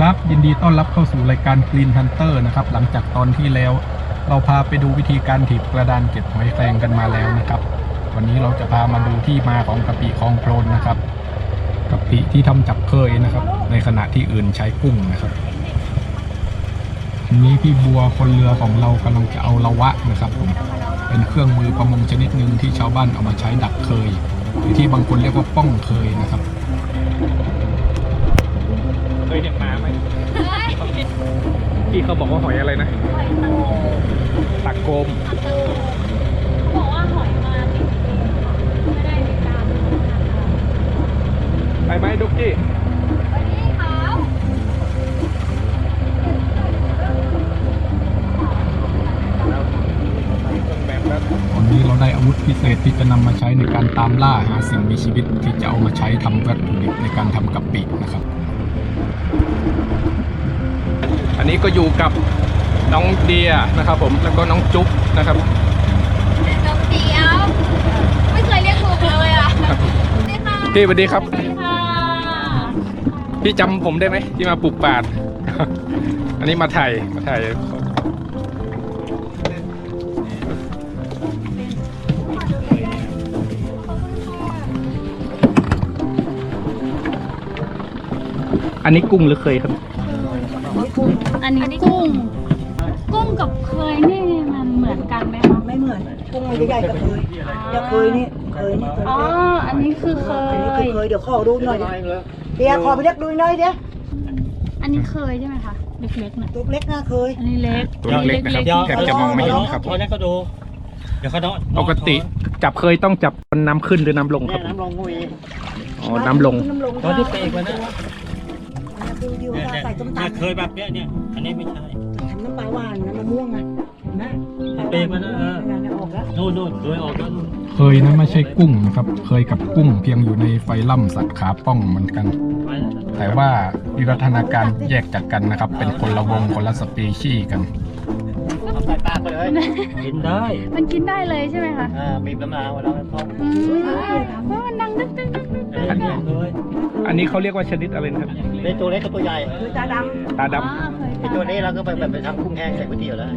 ครับยินดีต้อนรับเข้าสู่รายการ Green Hunter นะครับหลังจากตอนที่แล้วเราพาไปดูวิธีการถีบกระดานเก็บหอยแครงกันมาแล้วนะครับวันนี้เราจะพามาดูที่มาของกะปิคลองโคลนนะครับกะปิที่ทำจากเคยนะครับในขณะที่อื่นใช้กุ้งนะครับทีนี้พี่บัวคนเรือของเรากำลังจะเอาละวะนะครับผมเป็นเครื่องมือประมงชนิดหนึ่งที่ชาวบ้านเอามาใช้ดักเคยหรือที่บางคนเรียกว่าป้องเคยนะครับเคยเห็นมาไหมที่เขาบอกว่าหอยอะไรนะหอยตูตะโกมเขาบอกว่าหอยมาติดไม่ได้ติดตามไปไหมดุ๊กกี้วันนี้ขาวตอนนี้เราได้อาวุธพิเศษที่จะนำมาใช้ในการตามล่าหาสิ่งมีชีวิตที่จะเอามาใช้ทำวัตถุดิบในการทำกะปินะครับอันนี้ก็อยู่กับน้องเดียนะครับผมแล้วก็น้องจุ๊บนะครับน้องเดียวไม่เคยเรียกถูกเลยอ่ะพี่สวัสดีครับสวัสดีค่ะพี่จำผมได้ไหมที่มาปลูกป่าอันนี้มาถ่ายอันนี้กุ้งหรือเคยครับอันนี้กุ้งกับเคยนี่มันเหมือนกันไหมคะไม่เหมือนกุ้งมันใหญ่กับเคยอย่าเคยนี่อ๋ออันนี้คือเคยเดี๋ยวขอดูหน่อยเดี๋ยวขอไปเรียกดูหน่อยเดี๋ยวอันนี้เคยใช่ไหมคะเล็กๆนะตัวเล็กน่าเคยอันนี้เล็กตัวเล็กนะครับแทบจะมองไม่เห็นครับเขาเนี่ยเขาดูเดี๋ยวเขาเนาะปกติจับเคยต้องจับน้ำขึ้นหรือน้ำลงครับน้ำลงงูอีอ๋อน้ำลงตัวที่เปรกมันนะใส่ต้มตำเคยแบบเนี้ยอันนี้ไม่ใช่ทำน้ำปลาหวานน้ำมะม่วงอ่ะนะเปรกมันนะออกแล้วนู่นโดยออกแล้วเคยนะไม่ใช่กุ้งนะครับเคยกับกุ้งเพียงอยู่ในไฟล่ำสัตว์ขาป้องเหมือนกันแต่ว่าวิวัฒนาการแยกจากกันนะครับเป็นคนละวงคนละสปีชีส์กันใส่ปากไปเลยกินได้มันกินได้เลยใช่ไหมคะมีน้ำลายแล้วท้องเพราะมันดังดึ๊กอันนี้เขาเรียกว่าชนิดอะไรนะครับเป็นตัวเล็กกับตัวใหญ่คือตาดไอตัวนี้เราก็ไปทำกุ้งแห้งใส่ก๋วยเตี๋ยวแล้ว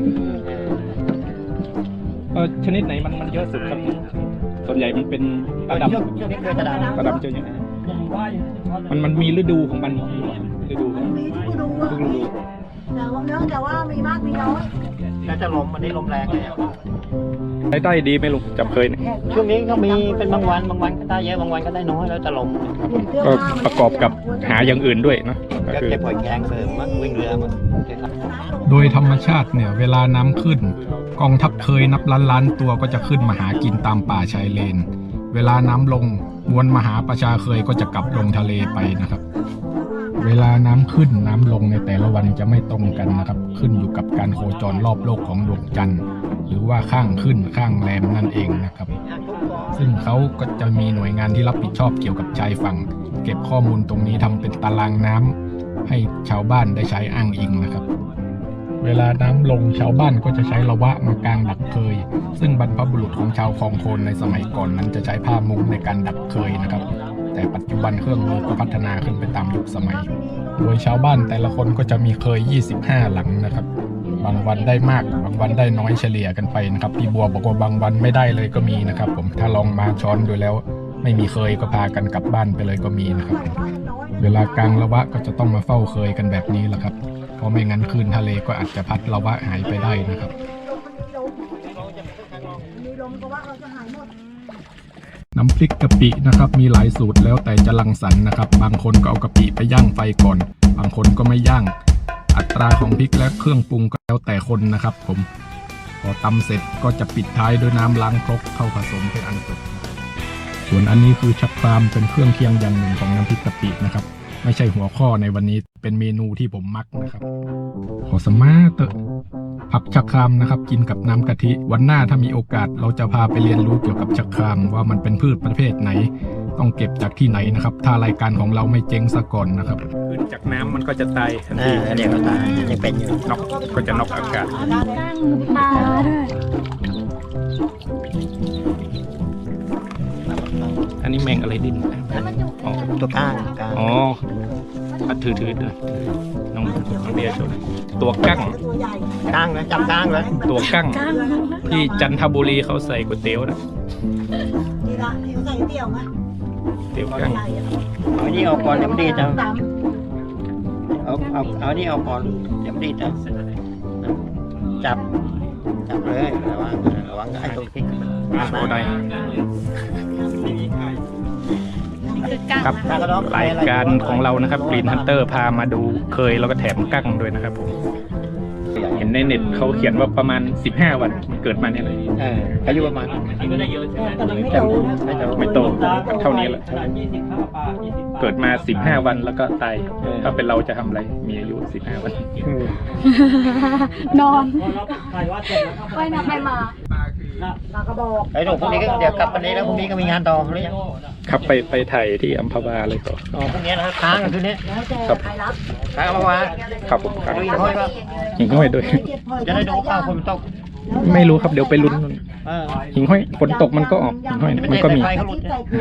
ชนิดไหนมันเยอะสุดครับส่วนใหญ่มันเป็นตาดำช่วงนี้เคยตาดำเจออย่างนี้มันมีฤดูของมันฤดูทุกฤดูแต่ว่ามีมากมีน้อยแล้วจะลมวันนี้ลมแรงเลยรายได้ดีไหมลุงจับเคยเนี่ยช่วงนี้ก็มีเป็นบางวันก็ได้เยอะบางวันก็ได้น้อยแล้วจะลมก็ประกอบกับหาอย่างอื่นด้วยนะก็เก็บหอยแครงเสริมมั้งวิ่งเรือมั้งโดยธรรมชาติเนี่ยเวลาน้ำขึ้นกองทัพเคยนับล้านตัวก็จะขึ้นมาหากินตามป่าชายเลนเวลาน้ำลงมวลมหาประชาเคยก็จะกลับลงทะเลไปนะครับเวลาน้ำขึ้นน้ำลงในแต่ละวันจะไม่ตรงกันนะครับขึ้นอยู่กับการโคจรรอบโลกของดวงจันทร์หรือว่าข้างขึ้นข้างแรมนั่นเองนะครับซึ่งเขาก็จะมีหน่วยงานที่รับผิดชอบเกี่ยวกับชายฝั่งเก็บข้อมูลตรงนี้ทำเป็นตารางน้ำให้ชาวบ้านได้ใช้อ้างอิงนะครับเวลาน้ำลงชาวบ้านก็จะใช้ละวะมากางดักเคยซึ่งบรรพบุรุษของชาวคลองโคลนในสมัยก่อนนั้นจะใช้ผ้ามุงในการดักเคยนะครับแต่ปัจจุบันเครื่องมือก็พัฒนาขึ้นไปตามยุคสมัยโดยชาวบ้านแต่ละคนก็จะมีเคย25หลังนะครับบางวันได้มากบางวันได้น้อยเฉลี่ยกันไปนะครับพี่บัวบอกว่าบางวันไม่ได้เลยก็มีนะครับผมถ้าลองมาช้อนดูแล้วไม่มีเคยก็พากันกลับบ้านไปเลยก็มีนะครับเวลากางละวะก็จะต้องมาเฝ้าเคยกันแบบนี้แหละครับเพราะไม่งั้นคลื่นทะเลก็อาจจะพัดละวะหายไปได้นะครับน้ำพริกกะปินะครับมีหลายสูตรแล้วแต่จะรังสรรค์นะครับบางคนก็เอากะปิไปย่างไฟก่อนบางคนก็ไม่ย่างอัตราของพริกและเครื่องปรุงก็แล้วแต่คนนะครับผมพอตำเสร็จก็จะปิดท้ายด้วยน้ำล้างครกเข้าผสมเป็นอันจบส่วนอันนี้คือชักปรามเป็นเครื่องเคียงอย่างหนึ่งของน้ำพริกกะปินะครับไม่ใช่หัวข้อในวันนี้เป็นเมนูที่ผมมักนะครับขอสมาเตอผักชะครามนะครับกินกับน้ำกะทิวันหน้าถ้ามีโอกาสเราจะพาไปเรียนรู้เกี่ยวกับชะครามว่ามันเป็นพืชประเภทไหนต้องเก็บจากที่ไหนนะครับถ้ารายการของเราไม่เจ๊งซะก่อนนะครับขึ้นจากน้ำมันก็จะตายทันทีอันนี้ก็ตายยังเป็นอยู่น็อกก็จะน็อกอากาศปลาด้วยอันนี้แมงอะไรดิ้นตัวก้างอ๋อปลาถือด้วยน้องเบียร์โชว์ตัวกั้งตัวใหญ่กลางนะจับกลางเลยตัวกั้งก้างที่จันทบุรีเขาใส่ก๋วยเตี๋ยวนะนี่ละที่เขาใส่เตี๋ยวไหมเตี๋ยวกั้งใหญ่อะเอานี่ออกก่อนเดี๋ยวมันดีดนะตเอานี่ออกก่อนเดี๋ยวมันดีดนะจับเลยระวังไอ้ตัวพริกโชว์ได้คือก้างครับนะรายการของเรานะครับ Green Hunter พามาดูเคยแล้วก็แถมกั้งด้วยนะครับผมเห็นในเน็ตเขาเขียนว่าประมาณ15 วันเกิดมาเนี่ยเลยอายุประมาณำแต่มันไม่โตนะไม่โตเท่านี้แหละเกิดมา15 วันแล้วก็ตายถ้าเป็นเราจะทำอะไรมีอายุ15 วันนอนไปนะไปมาปลากระบอกไอ้หนูพรุ่งนี้ก็เดี๋ยวกลับวันนี้แล้วพรุ่งนี้ก็มีงานต่อหรือยังครับไปถ่ายที่อัมพวาเลยต่ออ๋อพรุ่งนี้นะครับค้างกันคืนนี้แล้วแต่ครับใครรับค้างเอามาวางครับผมครับดูอีกห้อยป่ะหิ่งห้อยด้วยจะได้ดูข้าวคนมันตกไม่รู้ครับเดี๋ยวไปลุ้น หิ่งห้อยฝนตกมันก็ออกหิ่งห้อยเนี่ยมันก็มีไฟเขาหลุด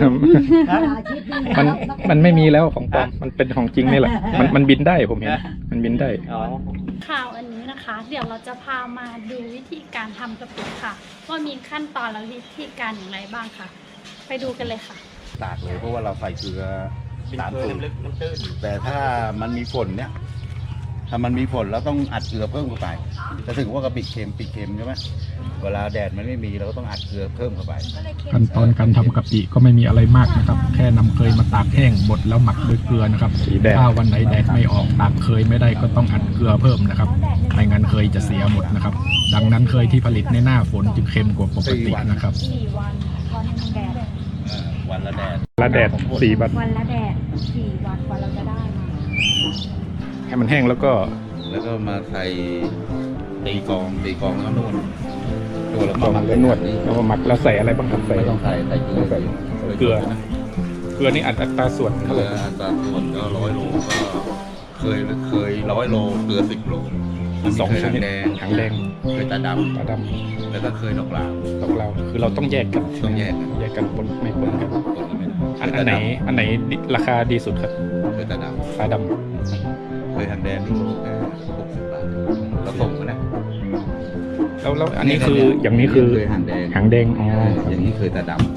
มันไม่มีแล้วของปลอมมันเป็นของจริงนี่แหละมันบินได้ผมเห็นมันบินได้อ๋อข่าวอันนี้นะคะ เดี๋ยวเราจะพามาดูวิธีการทำกะปิค่ะ ว่ามีขั้นตอนและวิธีการอย่างไรบ้างค่ะ ไปดูกันเลยค่ะตากเลยเพราะว่าเราใส่เกลือเป็นตามเกลือสูตรลึกมันตื้นแต่ถ้ามันมีฝนเนี่ย ถ้ามันมีฝนเราต้องอัดเกลือเพิ่มเข้าไปจะถึงว่ากะปิเค็มปีเค็มใช่ไหมเวลาแดดมันไม่มีเราก็ต้องอัดเกลือเพิ่มเข้าไปขั้นตอนการทำกะปิก็ไม่มีอะไรมากนะครับ แค่นำเคยมาตากแห้งบดแล้วหมักด้วยเกลือนะครับถ้าวันไหนแดดไม่ออกตากเคยไม่ได้ก็ต้องอัดเกลือเพิ่มนะครับไม่งั้นเคยจะเสียหมดนะครับ ดังนั้นเคยที่ผลิตในหน้าฝนจึงเค็มกว่าปกตินะครับ 4 วันวันแดดวันละแดดละแดด4 วันวันละแดด4 วันกว่าเราจะได้มาให้มันแห้งแล้วก็แล้วก็มาใส่ตีกองแล้วก็นวดแล้วลก็งมาแล้วนวดแล้วมาหมักแล้วใส่อะไรบ้างครับใส่ไม่ต้องใส่เกลือใส่เกลือเกลือนี่อัตราส่วนเกเท่าไหลืร่ออัตราส่วนก็100 โลก็เคย100 โลเกลือ10 โล 2 ชนิดแดงหางแดงเคยตาดตาดำแล้วก็เคยดอกลาวำดอกเราคือเราต้องแยกกันต้องแยกกันแยกกันปนไม่ปนกันคนละไม่ได้อันไหนราคาดีสุดครับเคยตาดตาดำเคยหางแดงนี่แค่60 บาทเราส่งมานะำแล้วอันนี้คืออย่างนี้คือเคยหางแดงหางแดงอ๋ออย่างนี้เคยตาดำ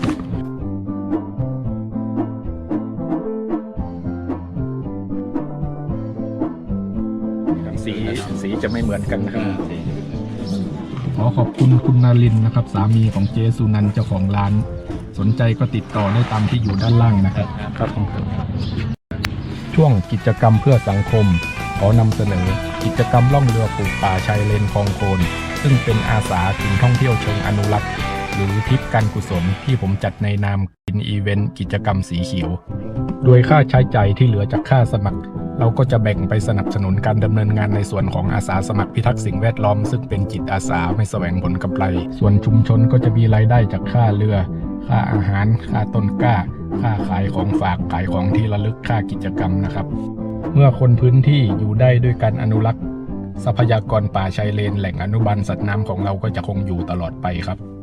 สีจะไม่เหมือนกันนะครับขอขอบคุณคุณนารินนะครับ สามีของเจสุนันท์เจ้าของร้าน สนใจก็ติดต่อได้ตามที่อยู่ด้านล่างนะครับครับผมช่วงกิจกรรมเพื่อสังคมขอนำเสนอกิจกรรมล่องเรือปลูกป่าชายเลนคลองโคนซึ่งเป็นอาสาถิ่นท่องเที่ยวเชิงอนุรักษ์หรือทริปการกุศลที่ผมจัดในนามกินอีเวนต์กิจกรรมสีเขียวโดยค่าใช้จ่ายที่เหลือจากค่าสมัคร เราก็จะแบ่งไปสนับสนุนการดำเนินงานในส่วนของอาสาสมัครพิทักษ์สิ่งแวดล้อมซึ่งเป็นจิตอาสาไม่แสวงผลกำไรส่วนชุมชนก็จะมีรายได้จากค่าเรือ ค่าอาหาร ค่าต้นกล้า ค่าขายของฝากขายของที่ระลึกค่ากิจกรรมนะครับ เมื่อคนพื้นที่อยู่ได้ด้วยการอนุรักษ์ทรัพยากรป่าชายเลนแหล่งอนุบาลสัตว์น้ำของเราก็จะคงอยู่ตลอดไปครับ